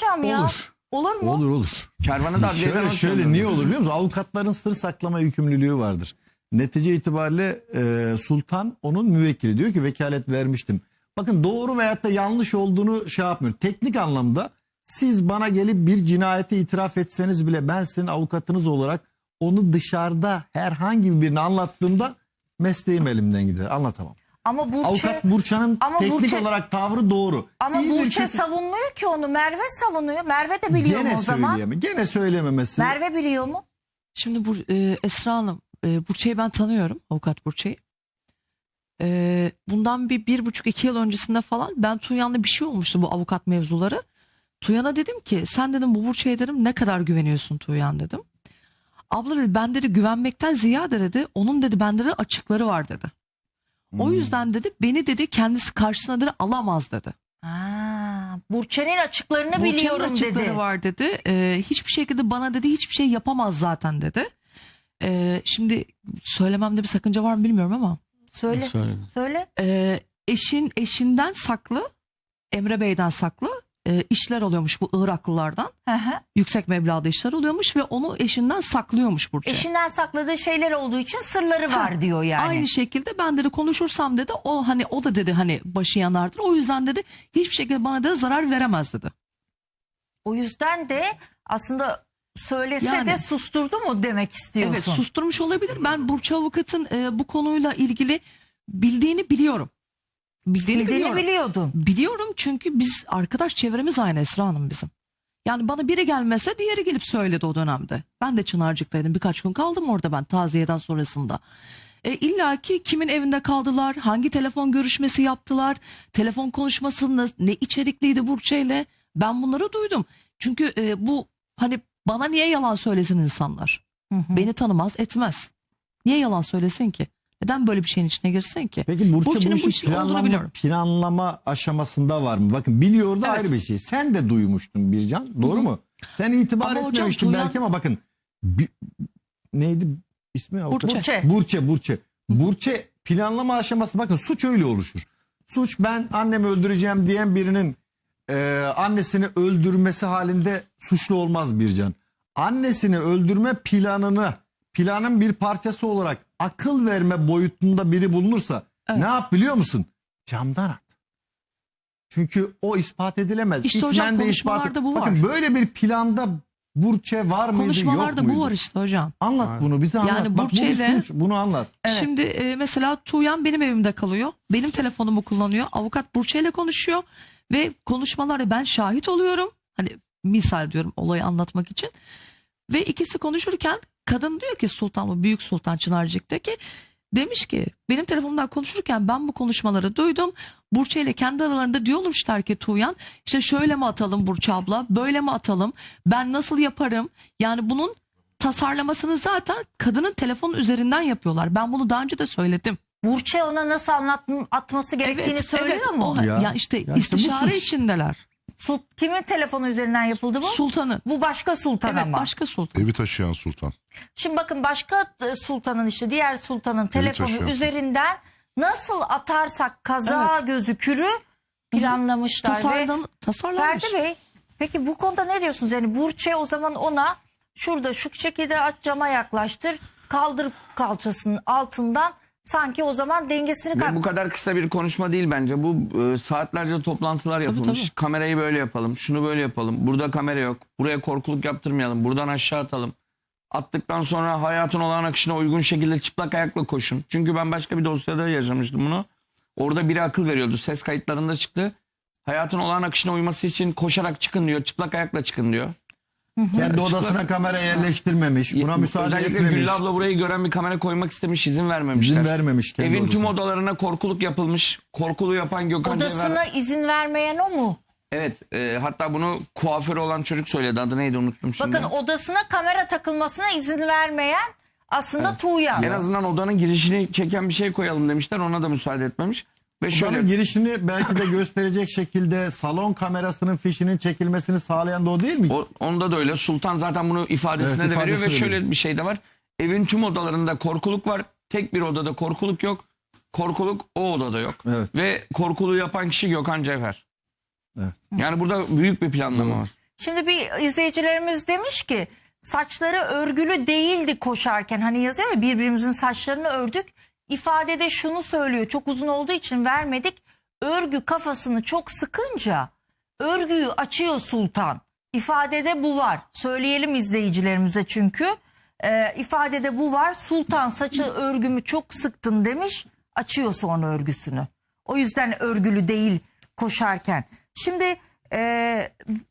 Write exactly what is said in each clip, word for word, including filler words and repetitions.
hocam ya. Olur. Olur mu? Olur olur. Kervanı da adliyeden Şöyle, şöyle atıyorlar. niye olur biliyor musun? Avukatların sır saklama yükümlülüğü vardır. Netice itibariyle e, sultan onun müvekkili. Diyor ki vekalet vermiştim. Bakın doğru veyahut da yanlış olduğunu şey yapmıyorum. Teknik anlamda siz bana gelip bir cinayeti itiraf etseniz bile ben sizin avukatınız olarak onu dışarıda herhangi birini anlattığımda mesleğim elimden gider. Anlatamam. Ama Burçe, Avukat Burça'nın ama teknik Burçe, olarak tavrı doğru. ama İyidir, Burçe kötü- savunmuyor ki onu. Merve savunuyor. Merve de biliyor Gene mu o zaman? söyleyemem. Gene söylememesi. Merve biliyor mu? Şimdi bu e, Esra Hanım, e, Burçe'yi ben tanıyorum, avukat Burçe'yi. E, bundan bir bir buçuk iki yıl öncesinde falan ben Tuğyan'la bir şey olmuştu bu avukat mevzuları. Tuğyan'a dedim ki sen dedim bu Burçe'ye dedim ne kadar güveniyorsun Tuğyan dedim. Abla dedi ben dedi güvenmekten ziyade dedi onun dedi bende de açıkları var dedi. O Hmm. yüzden dedi beni dedi kendisi karşısına dedi alamaz dedi. Aa, Burçe'nin açıklarını Burçe'nin biliyorum açıkları dedi. var dedi. Ee, hiçbir şekilde bana dedi hiçbir şey yapamaz zaten dedi. Ee, şimdi söylememde bir sakınca var mı bilmiyorum ama. Söyle. Söyle. Söyle. Ee, eşin eşinden saklı, Emre Bey'den saklı e, işler oluyormuş bu Iraklılardan. Hı hı. Yüksek meblağda işler oluyormuş ve onu eşinden saklıyormuş Burçe. Eşinden sakladığı şeyler olduğu için sırları var diyor yani. Aynı şekilde ben dedi konuşursam dedi o hani o da dedi hani başı yanardır. O yüzden dedi hiçbir şekilde bana da zarar veremez dedi. O yüzden de aslında söylese Yani. de susturdu mu demek istiyorsun? Evet susturmuş olabilir. Ben Burçe Avukat'ın e, bu konuyla ilgili bildiğini biliyorum. Bildiğini, Bildiğini biliyorum. biliyordun. Biliyorum çünkü biz arkadaş çevremiz aynı Esra Hanım bizim. Yani bana biri gelmese diğeri gelip söyledi o dönemde. Ben de Çınarcık'taydım birkaç gün kaldım orada ben taziyeden sonrasında. E, İlla ki kimin evinde kaldılar, hangi telefon görüşmesi yaptılar, telefon konuşmasında ne içerikliydi Burçe'yle ben bunları duydum. Çünkü e, bu hani bana niye yalan söylesin insanlar? Hı hı. Beni tanımaz etmez. Niye yalan söylesin ki? Neden böyle bir şeyin içine girsin ki? Peki Burçe Burçe'nin bu bu işi işi olduğunu planlama, biliyorum. planlama aşamasında var mı? Bakın biliyor da Evet. ayrı bir şey. Sen de duymuştun Bircan. Doğru Hı hı. mu? Sen itibar Ama hocam, etmemiştin Tuğyan- belki ama bakın. bi- neydi ismi? avukat? Burçe. Burçe. Burçe. Burçe. Burçe planlama aşaması bakın suç öyle oluşur. Suç ben annemi öldüreceğim diyen birinin e, annesini öldürmesi halinde suçlu olmaz Bircan. Annesini öldürme planını planın bir parçası olarak akıl verme boyutunda biri bulunursa Evet. ne yap biliyor musun? Camdan at. Çünkü o ispat edilemez. İşte hocam, İtmen de konuşmalarda ispat- bu var. Bakın böyle bir planda Burçe var mıydı yok Konuşmalarda muydu? bu var işte hocam. Anlat bunu bize anlat. Yani Bak, bu bir Burçe'yle- suç, bunu anlat. Evet. Şimdi e, mesela Tuğyan benim evimde kalıyor. Benim telefonumu kullanıyor. Avukat Burçe ile konuşuyor. Ve konuşmalara ben şahit oluyorum. Hani misal diyorum olayı anlatmak için. Ve ikisi konuşurken kadın diyor ki Sultan, bu Büyük Sultan Çınarcık'taki demiş ki benim telefonumdan konuşurken ben bu konuşmaları duydum. Burçe ile kendi aralarında diyormuşlar ki Tuğyan işte şöyle mi atalım Burçe abla, böyle mi atalım, ben nasıl yaparım, yani bunun tasarlamasını zaten kadının telefon üzerinden yapıyorlar. Ben bunu daha önce de söyledim. Burçe ona nasıl anlat atması gerektiğini söylüyor evet, mu? o- Ya. ya, işte Ya işte bu istişare suç. içindeler. Sul- Kimin telefonu üzerinden yapıldı bu? Sultanın. Bu başka sultan Evet, ama. başka sultan. Evi taşıyan sultan. Şimdi bakın başka e, sultanın işte diğer sultanın telefonu taşıyorsun. üzerinden nasıl atarsak kaza Evet. gözükürü planlamışlar. Ve Tasarlan, tasarlanmış. Ferdi Bey peki bu konuda ne diyorsunuz? Yani Burçe o zaman ona şurada şu şekilde aç, cama yaklaştır, kaldır kalçasının altından, sanki o zaman dengesini Ve kay- bu kadar kısa bir konuşma değil bence. Bu e, saatlerce toplantılar Tabii, yapılmış. tabii. Kamerayı böyle yapalım, şunu böyle yapalım. Burada kamera yok. Buraya korkuluk yaptırmayalım. Buradan aşağı atalım. Attıktan sonra hayatın olağan akışına uygun şekilde çıplak ayakla koşun. Çünkü ben başka bir dosyada yaşamıştım bunu. Orada biri akıl veriyordu. Ses kayıtlarında çıktı. Hayatın olağan akışına uyması için koşarak çıkın diyor. Çıplak ayakla çıkın diyor. Kendi odasına kamera yerleştirmemiş. Buna müsaade Özellikle etmemiş. Güllü abla burayı gören bir kamera koymak istemiş. İzin vermemişler. İzin vermemiş kendi Evin tüm odasına. odalarına korkuluk yapılmış. Korkuluğu yapan Gökhan odasına Cevher. izin vermeyen o mu? Evet, e, hatta bunu kuaförü olan çocuk söyledi. Adı neydi unuttum şimdi. Bakın odasına kamera takılmasına izin vermeyen aslında Tuğyan. En azından odanın girişini çeken bir şey koyalım demişler. Ona da müsaade etmemiş. Ve Şöyle şöyle girişini belki de gösterecek şekilde salon kamerasının fişinin çekilmesini sağlayan da o değil mi? o, onda da öyle. Sultan zaten bunu ifadesine Evet, de veriyor ve ifadesi şöyle veriyor. bir şey de var. Evin tüm odalarında korkuluk var. Tek bir odada korkuluk yok. Korkuluk o odada yok. Evet. Ve korkuluğu yapan kişi Gökhan Cevher. Evet. Yani burada büyük bir planlama var. Şimdi bir izleyicilerimiz demiş ki saçları örgülü değildi koşarken, hani yazıyor ya birbirimizin saçlarını ördük. İfadede şunu söylüyor, çok uzun olduğu için vermedik. Örgü kafasını çok sıkınca örgüyü açıyor Sultan. İfadede bu var. Söyleyelim izleyicilerimize çünkü. Ee, ifadede bu var. Sultan saçı örgümü çok sıktın demiş. Açıyor sonra örgüsünü. O yüzden örgülü değil koşarken. Şimdi e,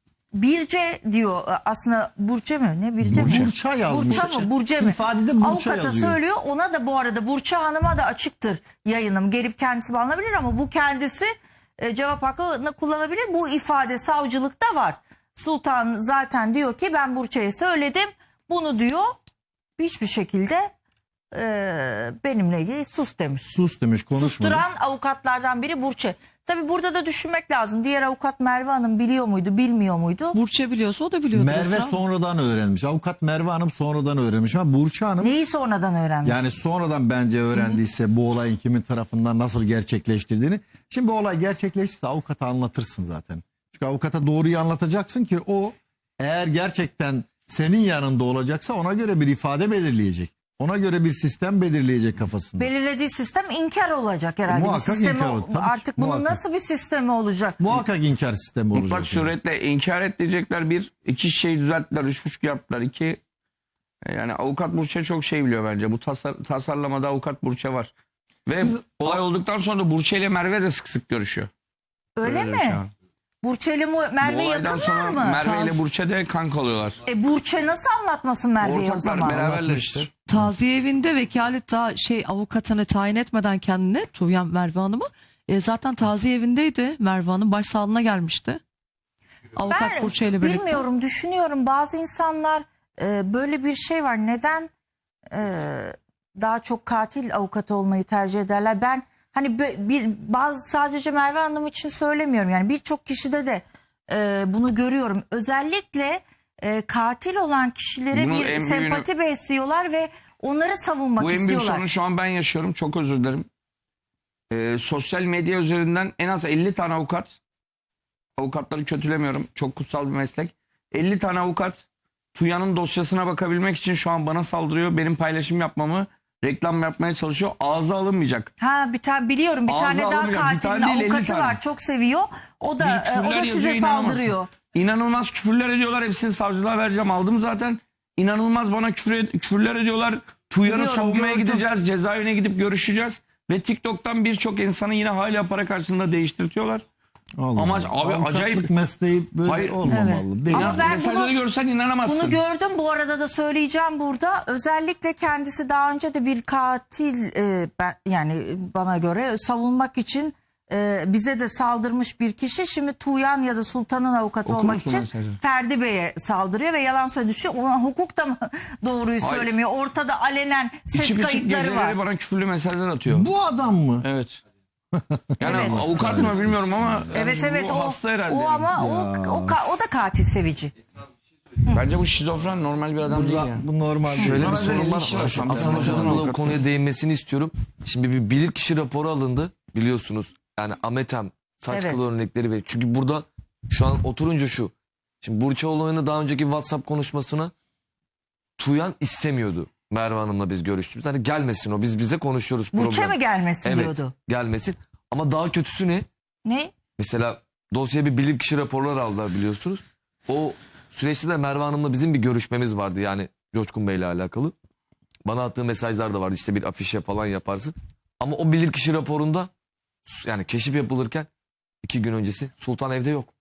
Birce diyor aslında, Burçe mi? Ne Birce mi? Burça yazmış. Burça mı? Burce mi? İfadede Burça Avukata yazıyor. söylüyor. Ona da bu arada Burça Hanım'a da açıktır yayınım. Gelip kendisi bağlanabilir ama bu kendisi e, cevap hakkını kullanabilir. Bu ifade savcılıkta var. Sultan zaten diyor ki ben Burça'ya söyledim. Bunu diyor hiçbir şekilde e, benimle ilgili sus demiş. Sus demiş, konuşmadı. Susturan avukatlardan biri Burçe. Tabi burada da düşünmek lazım. Diğer avukat Merve Hanım biliyor muydu, bilmiyor muydu? Burçe biliyorsa o da biliyordur. Merve Esra. sonradan öğrenmiş. Avukat Merve Hanım sonradan öğrenmiş ama Burça Hanım Neyi sonradan öğrenmiş? yani sonradan bence öğrendiyse bu olayın kimin tarafından nasıl gerçekleştirdiğini. Şimdi bu olay gerçekleşirse avukata anlatırsın zaten. Çünkü avukata doğruyu anlatacaksın ki o eğer gerçekten senin yanında olacaksa ona göre bir ifade belirleyecek. Ona göre bir sistem belirleyecek kafasında. Belirlediği sistem inkar olacak herhalde. Muhakkak bir sistemi, inkar olur, tabii ki, artık bunun muhakkak. nasıl bir sistemi olacak? Muhakkak inkar sistemi olacak. Mutlak yani. suretle inkar et diyecekler. Bir, iki şey düzelttiler, üç buçuk yaptılar. İki, yani avukat Burçe çok şey biliyor bence. Bu tasar, tasarlamada avukat Burçe var. Ve olay olduktan sonra da Burçe ile Merve de sık sık görüşüyor. Öyle Öyle mi? şu an. Burçe ile mu- Bu Merve olaydan yakınlar sonra mı? Merve ile Taz- Burçe de kanka oluyorlar. E Burçe nasıl anlatmasın Merve'yi o Ortaklar zaman? beraberler işte. Taziye evinde vekalet daha şey avukatını tayin etmeden kendine Tuğyan Merve Hanım'ı e, zaten taziye evindeydi. Merve Hanım başsağlığına gelmişti. Avukat Ben Burçe ile birlikte. bilmiyorum, düşünüyorum. Bazı insanlar e, böyle bir şey var. Neden e, daha çok katil avukatı olmayı tercih ederler? Ben hani bö- bir bazı sadece Merve Hanım için söylemiyorum. Yani birçok kişide de e, bunu görüyorum. Özellikle e, katil olan kişilere Bunu bir en büyüğünü- sempati besliyorlar ve onları savunmak Bu en büyük istiyorlar. sorunu şu an ben yaşıyorum. Çok özür dilerim. Ee, sosyal medya üzerinden en az elli tane avukat, avukatları kötülemiyorum. Çok kutsal bir meslek. elli tane avukat Tuyan'ın dosyasına bakabilmek için şu an bana saldırıyor. Benim paylaşım yapmamı, reklam yapmaya çalışıyor. Ağza alınmayacak. Ha bir tane biliyorum, bir Ağzı tane daha alınmayacak. Bir katilin tane değil, elli avukatı tane. var. Çok seviyor. O da Bir e, o küfürler da yazıyor, size inanamazsın. saldırıyor. İnanılmaz küfürler ediyorlar. Hepsini savcılığa vereceğim. Aldım zaten. İnanılmaz bana küfür ed- küfürler ediyorlar. Tuyan'ı Biliyorum, savunmaya gördüm. gideceğiz. Cezaevine gidip görüşeceğiz. Ve TikTok'tan birçok insanı yine hala para karşılığında değiştirtiyorlar. Allah Amaç- Allah. abi Avukatlık acayip- mesleği böyle Hayır. olmamalı. Değil. Ama ben Mesajları bunu- görsen inanamazsın. Bunu gördüm, bu arada da söyleyeceğim burada. Özellikle kendisi daha önce de bir katil e, ben, yani bana göre savunmak için e, bize de saldırmış bir kişi. Şimdi Tuğyan ya da Sultan'ın avukatı Okur olmak musun için mesajı? Ferdi Bey'e saldırıyor ve yalan söylediği için ulan hukuk da mı doğruyu Hayır. söylemiyor? Ortada alenen ses İçip içip kayıtları geceleri var. bana küfürlü mesajlar atıyor. Bu adam mı? Evet. Yani Evet. avukat mı bilmiyorum ama Evet yani evet bu o, hasta herhalde. o ama o, o, ka- o da katil sevici. Bence bu şizofren normal bir adam değil Bu, yani. bu normal. Şöyle değil. bir Bana sorun böyle var. ilişki var. Şu Ben Hasan de- Hoca'nın ben de- da bu konuya değinmesini istiyorum. Şimdi bir bilirkişi raporu alındı biliyorsunuz. Yani Ametem saç Evet. kılı örnekleri ve çünkü burada şu an oturunca şu. Şimdi Burça olayını daha önceki WhatsApp konuşmasına Tuyan istemiyordu. Merve Hanım'la biz görüştük. Hani gelmesin o biz bize konuşuyoruz Burç'a problem. mı gelmesin Evet diyordu. gelmesin. Ama daha kötüsü ne? Ne? Mesela dosyaya bir bilirkişi raporlar aldılar biliyorsunuz. O süreçte de Merve Hanım'la bizim bir görüşmemiz vardı yani Coşkun Bey'le alakalı. Bana attığı mesajlar da vardı işte bir afişe falan yaparsın. Ama o bilirkişi raporunda yani keşif yapılırken iki gün öncesi Sultan evde yok.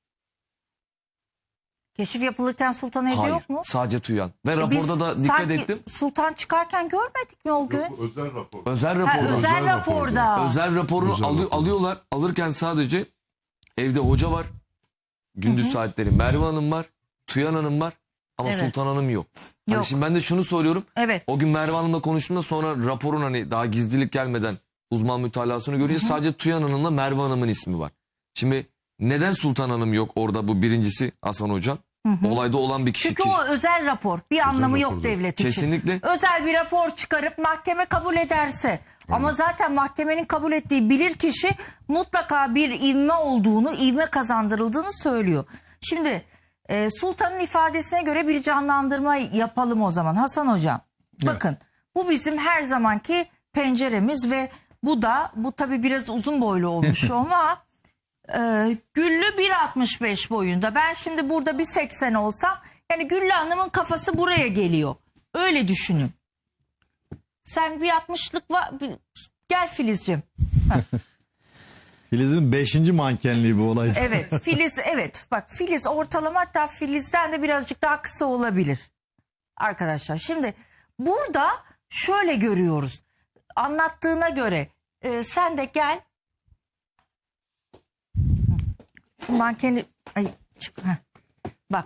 Keşif yapılırken Sultan evde Hayır yok mu? sadece Tuyan. Ve E raporda biz da dikkat sanki ettim. Sultan çıkarken görmedik mi o gün? Özel rapor. Özel Ha, raporda. özel, raporda. Özel raporunu Özel alı- rapor. alıyorlar. Alırken sadece evde hoca var. Gündüz saatleri Merve Hanım var. Tuyan Hanım var. Ama Evet. Sultan Hanım yok. Hani Yok. şimdi ben de şunu soruyorum. Evet. O gün Merve Hanım'la konuştuğumda sonra raporun hani daha gizlilik gelmeden uzman mütalasını görünce sadece Tuyan Hanım'la Merve Hanım'ın ismi var. Şimdi neden Sultan Hanım yok orada bu birincisi Hasan Hocam? Olayda olan bir kişi. Çünkü ki- o özel rapor. Bir anlamı yok rapor devlet için. Kesinlikle. Özel bir rapor çıkarıp mahkeme kabul ederse. Ama zaten mahkemenin kabul ettiği bilirkişi mutlaka bir ivme olduğunu, ivme kazandırıldığını söylüyor. Şimdi Ee, Sultan'ın ifadesine göre bir canlandırma yapalım o zaman Hasan Hocam. Bakın bu bizim her zamanki penceremiz ve bu da bu tabii biraz uzun boylu olmuş ama e, Güllü bir altmış beş boyunda. Ben şimdi burada bir seksen olsam yani Güllü Hanım'ın kafası buraya geliyor. Öyle düşünün. Sen bir altmışlık var. Bir- Gel Filizciğim. Filiz'in beşinci mankenliği bu olay. Evet Filiz evet bak Filiz ortalama, hatta Filiz'den de birazcık daha kısa olabilir. Arkadaşlar şimdi burada şöyle görüyoruz. Anlattığına göre e, sen de gel. Şu mankeni ay, çık, heh. Bak.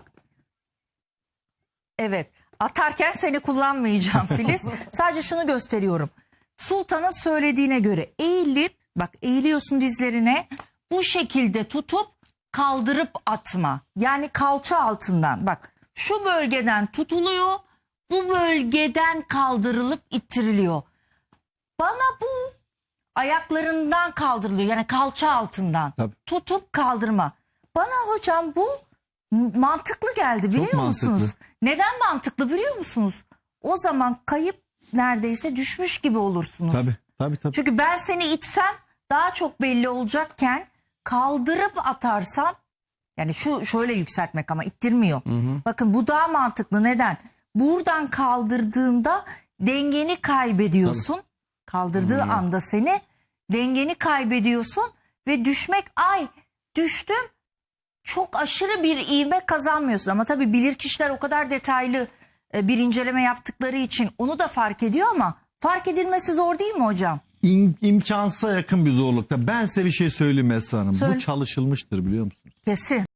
Evet. Atarken seni kullanmayacağım Filiz. Sadece şunu gösteriyorum. Sultan'ın söylediğine göre eğilip bak eğiliyorsun dizlerine, bu şekilde tutup kaldırıp atma. Yani kalça altından bak şu bölgeden tutuluyor, bu bölgeden kaldırılıp ittiriliyor. Bana bu ayaklarından kaldırılıyor, yani kalça altından Tabii. tutup kaldırma. Bana hocam bu mantıklı geldi biliyor Çok musunuz? mantıklı. Neden mantıklı biliyor musunuz? O zaman kayıp neredeyse düşmüş gibi olursunuz. Tabii tabii tabii. Çünkü ben seni itsem daha çok belli olacakken kaldırıp atarsam, yani şu şöyle yükseltmek ama ittirmiyor. Bakın bu daha mantıklı. Neden? Buradan kaldırdığında dengeni kaybediyorsun. Kaldırdığı anda seni dengeni kaybediyorsun ve düşmek, ay düştüm, çok aşırı bir ivme kazanmıyorsun. Ama tabii bilirkişiler o kadar detaylı e, bir inceleme yaptıkları için onu da fark ediyor ama fark edilmesi zor değil mi hocam? İm, imkansıza yakın bir zorlukta. Ben size bir şey söyleyeyim Esra Hanım. Söyle. Bu çalışılmıştır biliyor musunuz? Kesin.